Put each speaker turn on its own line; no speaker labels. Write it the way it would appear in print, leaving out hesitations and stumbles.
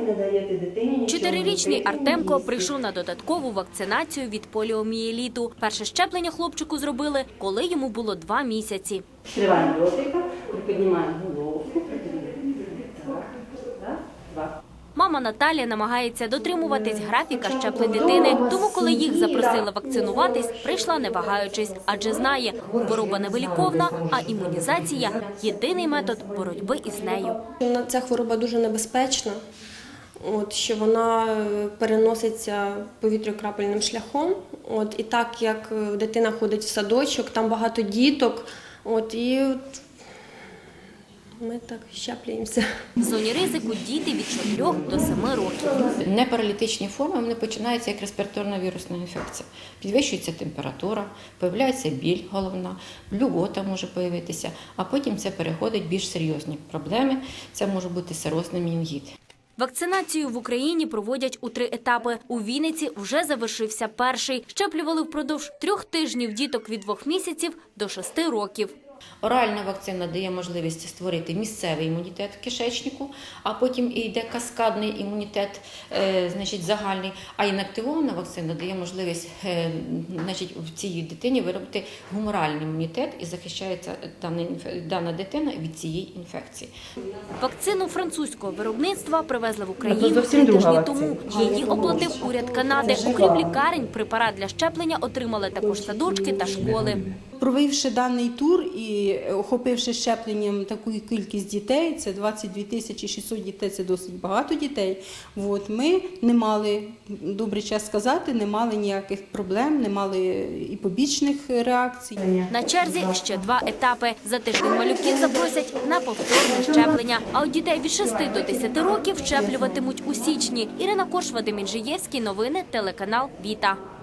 не даєте дитині нічого.
4-річний Артемко прийшов на додаткову вакцинацію від поліомієліту. Перше щеплення хлопчику зробили, коли йому було 2 місяці.
Відкриваємо ротика, приподнімаємо головку. Раз, два.
Мама Наталія намагається дотримуватись графіка щеплень дитини, тому коли їх запросили вакцинуватись, прийшла не вагаючись, адже знає, хвороба невиліковна, а імунізація – єдиний метод боротьби із нею.
Ця хвороба дуже небезпечна, що вона переноситься повітряно-крапельним шляхом. І так як дитина ходить в садочок, там багато діток, і ми так щеплюємося.
В зоні ризику діти від 4 до 7 років.
Непаралітичні форми вони починаються як респіраторна вірусна інфекція. Підвищується температура, появляється біль головна, блювота може появитися, а потім це переходить в більш серйозні проблеми. Це може бути серозний менінгіт.
Вакцинацію в Україні проводять у 3 етапи. У Вінниці вже завершився перший. Щеплювали впродовж 3 тижнів діток від 2 місяців до 6 років.
Оральна вакцина дає можливість створити місцевий імунітет в кишечнику, а потім йде каскадний імунітет, загальний. А інактивована вакцина дає можливість в цій дитині виробити гуморальний імунітет і захищається дана дитина від цієї інфекції.
Вакцину французького виробництва привезли в Україну 3 тижні тому. Її оплатив уряд Канади. Окрім лікарень, препарат для щеплення отримали також садочки та школи.
Провівши даний тур і охопивши щепленням таку кількість дітей, це 22 600 дітей, це досить багато дітей, ми не мали, добрий час сказати, не мали ніяких проблем, не мали і побічних реакцій.
На черзі ще 2 етапи. За тиждень малюків запросять на повторне щеплення. А от дітей від 6 до 10 років щеплюватимуть у січні. Ірина Корш, Вадим Інжиєвський, новини, телеканал «Віта».